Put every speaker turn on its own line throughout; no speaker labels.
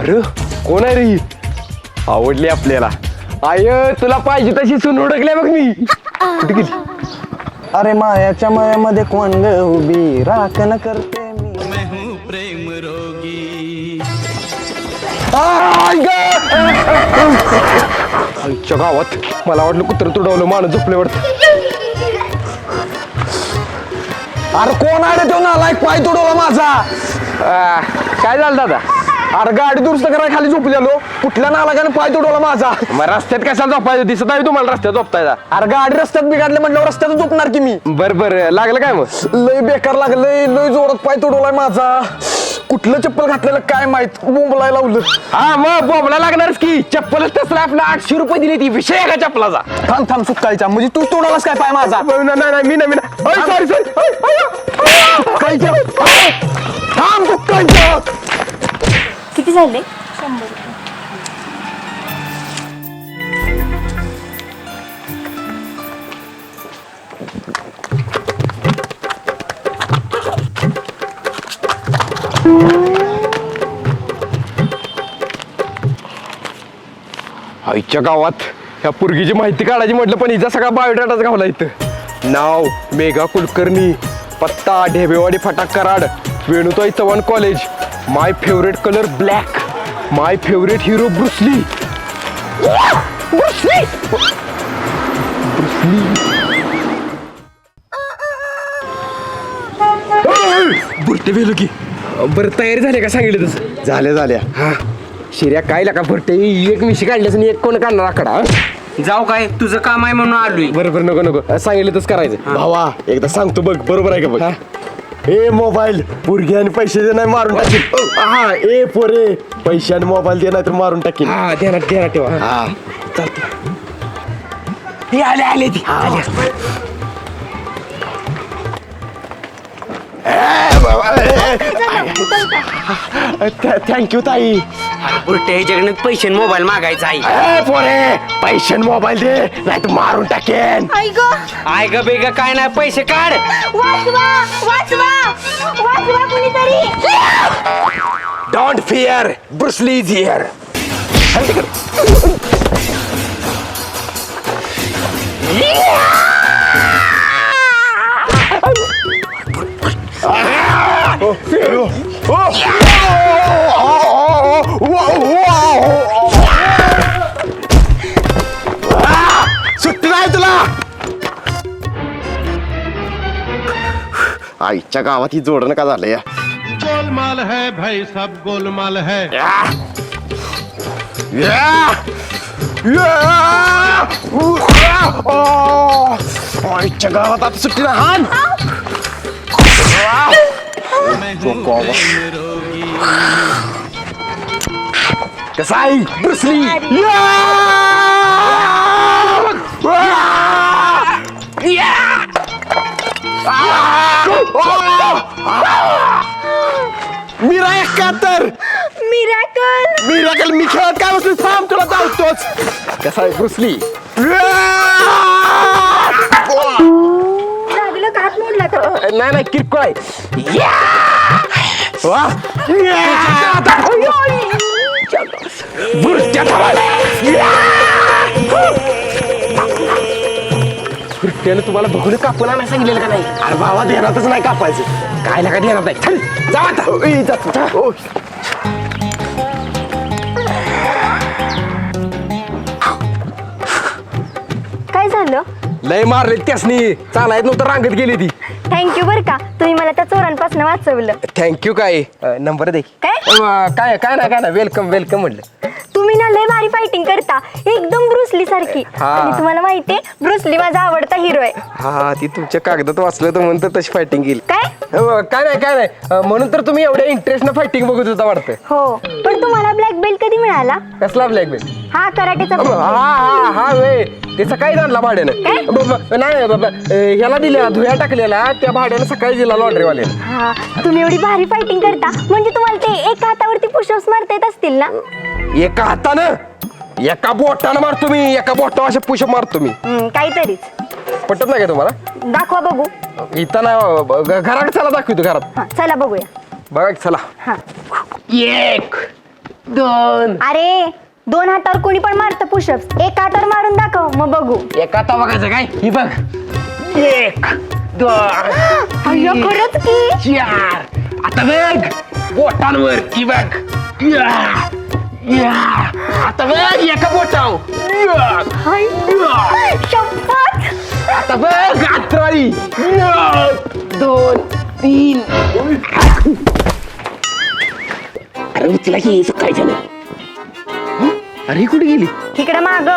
अरे कोण आहे रे ही? आवडली आपल्याला. आय तुला पाहिजे तशी सून ओळखल्या बघ मी. कुठे गेली?
अरे मायाच्या मायामध्ये कोण ग उभी राखण करते मी.
प्रेम रोगी.
आईच्या गावात मला वाटलं कुत्र तुडवलं माणूस झोपले वाटतं.
अरे कोण आहे रे तो नालायक पाय तोडवला माझा.
काय झालं दादा?
अरे गाडी दुरुस्त करायला खाली झोपलेलो कुठल्या नालायकाने पाय तोडवला माझा.
मग रस्त्यात कशाला झोपायचं? दिसत आहे तुम्हाला रस्त्यात झोपतायचा.
अरे गाडी रस्त्यात बिघडले म्हटल्यावर रस्त्यात झोपणार की मी.
बरं लागलं काय मग?
लय बेकार लागलंय लय जोरात पाय तोडवलाय माझा. कुठलं चप्पल घातलेलं काय माहित बोंबलाय लावलं.
हा मग बोंबला लागणारच की. चप्पलच तसला आपला 800 रुपये दिली ती. विषय आहे का चप्पलाचा?
थांब सुकायचा म्हणजे तू तोडवलास काय पाय माझा.
नाही मी सॉरी
थांब सुकायचा.
किती झाले?
आईच्या गावात ह्या पोरगीची माहिती काढायची म्हटलं पण हिचा सगळा बायोडाटाच गावला इथं. नाव मेघा कुलकर्णी, पत्ता ढेबेवाडी फटाक Karad, Venutai Chavan college, my favourite colour black, my favourite hero Bruce Lee. बुरटे वेलो की. बरं तयारी झाली का सांगितलं तसं?
झाल्या
हा शिर्या काय लागा बुरटे एक मिशी काढल्यास आणि एक कोण काढणार आकडा.
जाऊ काय तुझं काम आहे म्हणून आलोय.
बरोबर नको सांगितलं तसं करायचं.
भावा एकदा सांगतो बघ बरोबर आहे का बघ. ए मोबाईल पोरगी आणि पैसे दे नाही मारून टाकील. हा ए पोरे पैसे आणि मोबाईल दे नाही तर मारून टाकील.
हा ध्यानात ठेवा.
हा
हे आले ती आले.
थँक्यू ताई.
बुरट्या जगण्यात पैसे आणि मोबाईल मागायचा आहे.
ए पोरे पैसे आणि मोबाईल दे नाही तर मारून टाकेन.
आई ग
आय ग बेग काय नाही पैसे काढ.
वाचवा कुणीतरी.
Don't fear Bruce Lee is here.
सुट्टी नाही तुला. आईच्या गावात ही जोडणं का झालं या.
गोलमाल है भाई सब गोलमाल है.
आईच्या गावात आता सुट्टी ना हान.
कसा आहे ब्रुसली?
मीरा 71. मिराकल मी खेळत काय बसलो थांब तुला धावतोच.
कसा आहे ब्रुसली?
दादीला हात मोडला का?
नाही किरकोळ आहे. बुरट्यानं तुम्हाला बघून कापून नाही सांगितलेलं का नाही?
अरे भावा ध्यानातच नाही कापायचं.
काय लागा देणार नाही. चल जा आता.
काय झालं?
लय मारले त्यासनी. चालायत नव्हतं रांगत गेली ती.
थँक्यू बर का तुम्ही मला त्या चोरांपासून वाचवलं.
थँक्यू. काय नंबर दे.
काय
काय नाही वेलकम म्हटलं.
तुम्ही ना लय भारी फायटिंग करता एकदम ब्रुसली सारखी.
हा.
आणि तुम्हाला माहितीये ब्रुसली माझा आवडता हिरो आहे.
हा ती तुमच्या कागदात वाचलं तर म्हणतं तशी फायटिंग केली.
काय
काय नाही म्हणून तर तुम्ही एवढ्या इंटरेस्टनं फायटिंग बघत होता वाटतं.
हो पण तुम्हाला ब्लॅक बेल्ट कधी मिळाला?
कसला ब्लॅक बेल्ट?
हा कराटेचा.
हा वे ते सकाळी आणला भाड्यानं. नाही बाबा ह्याला दिल्या धुया टाकलेला त्या भाड्यानं सकाळी दिला लॉन्ड्रीवाल्यानं.
हा तुम्ही एवढी भारी फायटिंग करता म्हणजे तुम्हाला ते एका हातावरती पुशअप्स मारता येत असतील ना?
एका हातानं एका बोटानं मारतो मी. एका बोटावर असे पुशअप मारतो मी.
काहीतरीच.
पटत नाही का तुम्हाला?
दाखवा बघू.
इथं ना घरात चला दाखवतो घरात.
हा चला बघूया.
बघा की, चला.
हा
1
2
अरे 2 हातावर कोणी पण मारतं पुशअप्स, एका हातावर मारून दाखव मग बघू.
एका आता बघायचं काय ही बघ 1 2
अय्या खरंच की.
4 आता बघ बोटांवर की बघ आता बघ एका बोटावर
शपथ.
आता बघ अत्राळी 2 3 अरे उचला की काय झालं अरे ही कुठे गेली
इकडे माग.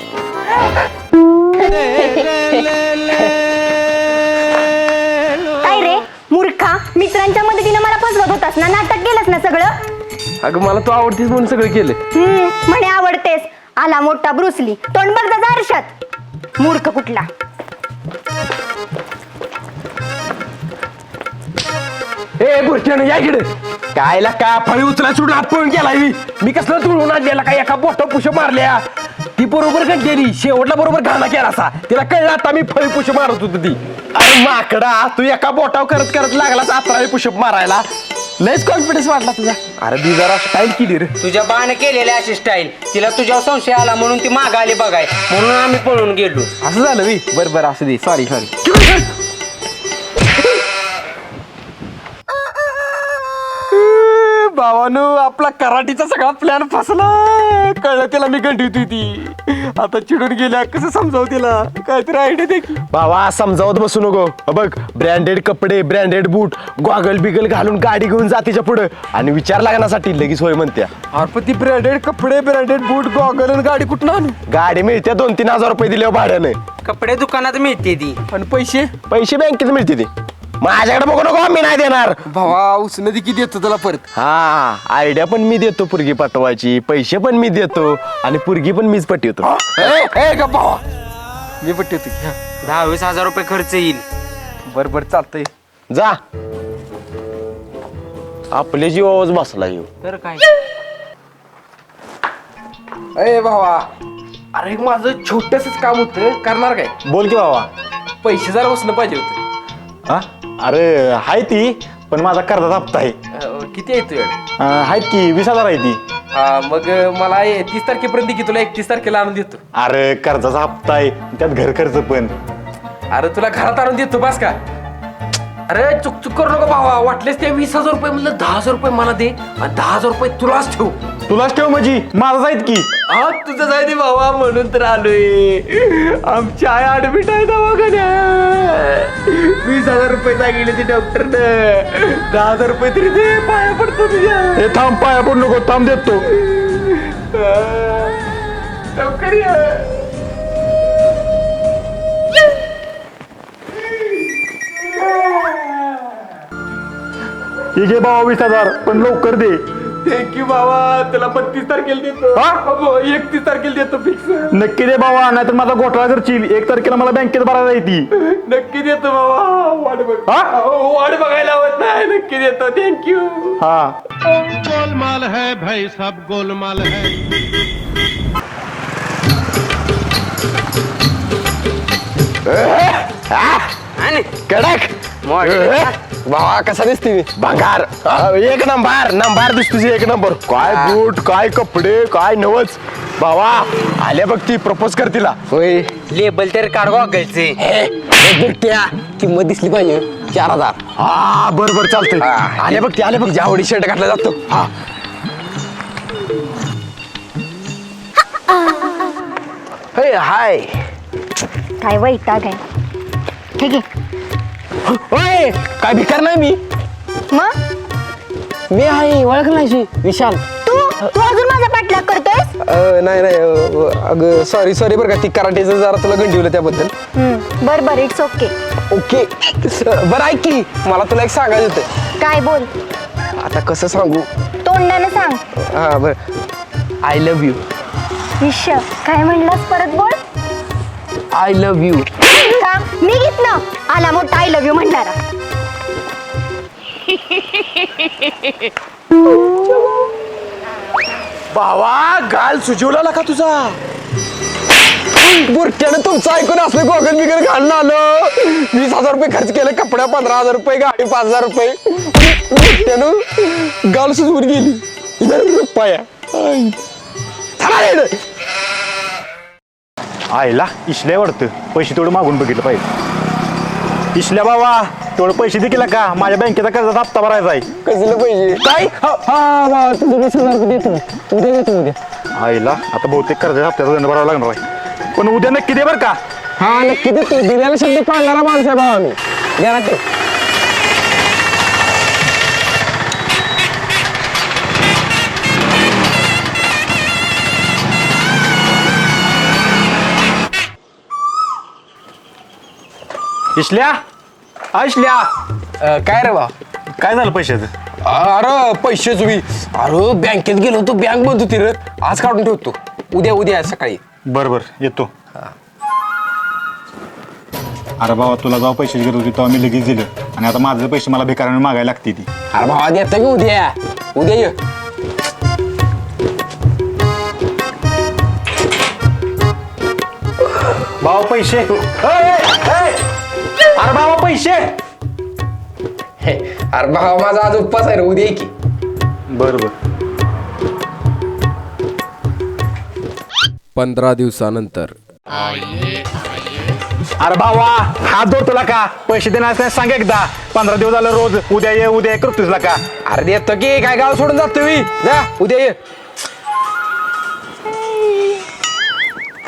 काय रे मूर्खा, मित्रांच्या मदतीने मला फसवत होतास ना, नाटक केलंस ना सगळं.
अगं मला तू आवडतीस म्हणून सगळं केलं.
म्हणे आवडतेस, आला मोठा ब्रुसली, तोंड बघ जा आरशात, मूर्ख कुठला.
ए बुरट्यानं या इकडे. कायला का फळी उचला सोडून हात पळून गेलाय मी कसलं तुळून आणलेला काय एका बोट पुश मारल्या. ती बरोबर गेली, शेवटला बरोबर घाणा केला असा. तिला कळलं आता मी फळी पुश मारत होतो ती. अरे माकडा, तू एका बोटाव करत करत लागलास 11 पुशअप मारायला. लयच कॉन्फिडन्स वाटला तुझा. अरे ती जरा स्टाईल केली रे.
तुझ्या बाण केलेली अशी स्टाईल तिला तुझ्यावर संशय आला म्हणून ती माग आली बघाय म्हणून आम्ही पळून गेलो.
असं झालं मी. बरं असं दे, सॉरी. भावानो, आपला कराटीचा सगळा प्लॅन फसला. कळलं त्याला मी गंडी होती ती. आता चिडून गेल्या, कसं समजावं तिला, काहीतरी आयडिया दे की.
बाबा समजावत बसू नको. बघ ब्रँडेड कपडे, ब्रँडेड बूट, गॉगल बिगल घालून गाडी घेऊन जा तिच्या पुढे आणि विचार लागण्यासाठी लगेच होय म्हणत्या.
अरे पण ती ब्रँडेड कपडे, ब्रँडेड बूट, गॉगल आणि गाडी कुठं आणू?
गाडी मिळते 2-3 हजार रुपये दिल्यावर भाड्याने.
कपडे दुकानात मिळते ती.
आणि पैसे
पैसे बँकेत मिळते ते. माझ्याकडे बघू नको, मी नाही देणार.
भावा उसनं ती किती येतं तुला परत.
हा आयडिया पण मी देतो पुरगी पाठवायची, पैसे पण मी देतो आणि पुरगी पण मीच पटवतो.
ए का भावा, मी पट्टी होती.
10-20 हजार रुपये खर्च येईल.
बरं चालतंय.
जा, आपले जीवावच बसला येऊ.
तर काय
ए भावा, अरे माझं छोटसच काम होतं, करणार काय?
बोल की बाबा.
पैसे जरा उसनं पाहिजे होते.
हा अरे हाय ती, पण माझा कर्जाचा हप्ता आहे.
किती आहे तुझ्याकडे?
आहेत की 20,000 आहे ती.
मग मला 30 तारखेपर्यंत की तुला 31 तारखेला आणून देतो.
अरे कर्जाचा हप्ता आहे, त्यात घर खर्च पण.
अरे तुला घरात आणून देतो बस का. अरे चुक करू नको भावा, वाटलेस ते 20,000 रुपये म्हणलं 10,000 रुपये मला दे आणि 10,000 रुपये तुलाच ठेव.
तुलाच ठेव म्हणजे माझा जाईत की.
हा तुझं जायचे भावा, म्हणून तर आलोय. आमची आई ऍडमिट आहे दवाखान्यात. 20,000 रुपये सांगितले ती डॉक्टरनं. 10,000 रुपये तरी दे, पाया पडतो तुझ्या.
हे थांब, पाया पडू नको, थांब देतो.
लवकर ये.
हे घे बाबा 20,000, पण लवकर दे.
थँक्यू बाबा, तुला 32 तारखेला देतो.
हा?
31 तारखेला देतो फिक्स.
नक्की दे बाबा, नाहीतर माझा घोटाळा करशील. 1 तारखेला मला बँकेत भरायला येते.
नक्की देतो बाबा, वाट बघ.
हा?
वाट बघायला हवत नाही. नक्की देतो, थँक्यू.
हा
गोलमाल है भाई सब गोलमाल है.
आणि
कडक
भावा कसा दिसते मी?
भंगार. एक नंबर दिसतो तुझी, एक नंबर. काय बूट, काय कपडे, काय नवच. बाबा आल्या बघ ती, प्रपोज कर तिला.
होय.
लेबल तर काढ गॉगलचे.
किंमत दिसली पाहिजे 4,000.
हा बरोबर चालतंय.
आले बघ ती, आले बघ. ज्यावडी शर्ट घातला जातो.
हा
हाय.
काय वैताग आहे. ठीक आहे
होय, काय भिकार नाही मी.
मग
मी आहे, ओळख नाही विशाल.
तू अजून माझा पाठलाग करतोयस.
नाही अगं सॉरी बरं का, ती कराटेचं जरा तुला गंडीवलं त्याबद्दल.
बर इट्स ओके.
ओके बरं ऐक की, मला तुला एक सांगायचं होतं.
काय बोल,
आता कसं सांगू.
तोंडानं सांग.
हा बरं. I love you.
विश काय म्हणलास, परत बोल.
I love you.
का मी घेतलं, आला मोठा आय लव्ह यू म्हणणारा.
बाबा गाल सुजवला का तुझा.
बुरट्यानं तुमचं ऐकून असलं गोगल बिगल घालणं आलं. 20,000 रुपये खर्च केले, कपड्या 15,000 रुपये, गाडी 5,000 रुपये. बुरट्यानं गाल सुजवून गेली. पाया
आईला इशल्या वाटतं पैसे तेवढं मागून बघितलं पाहिजे. इशल्या बाबा तेवढं पैसे देखील का माझ्या बँकेचा कर्जाचा हप्ता भरायचा आहे.
कसलं पाहिजे काय हा तुझं 20,000 रुपये देतो उद्या देतो उद्या.
आईला आता बहुतेक कर्जाचा हप्त्याचा दंड भरावा लागणार आहे. पण उद्या नक्की दे बरं का.
हा नक्की देतो दिल्याला शब्द पाळणारा माणूस आहे भावा मी गॅरंटी.
इशल्या इशल्या
काय रे बा
काय झालं पैशाचं.
अरे पैसे तुम्ही अरे बँकेत गेलो होतो बँक बंद होती रे आज काढून ठेवतो उद्या सकाळी.
बरं बरं येतो. अरे बाबा तुला जेव्हा पैशाची गरज होती तेव्हा मी लगेच दिलं आणि आता माझे पैसे मला भिकाऱ्याने मागायला लागते ती.
अरे भावा देतं की उद्या ये.
बाबा पैसे अरे बाबा पैसे.
अरे भावा माझा आज उपवास आहे रे उद्या ये की.
बरं बरं
15 दिवसानंतर.
अरे भावा हात जोड तुला का पैसे देणार नाही सांग एकदा. 15 दिवस झालं रोज उद्या ये करतोस का.
अरे देतो की काय गाव सोडून जातो मी जा उद्या ये.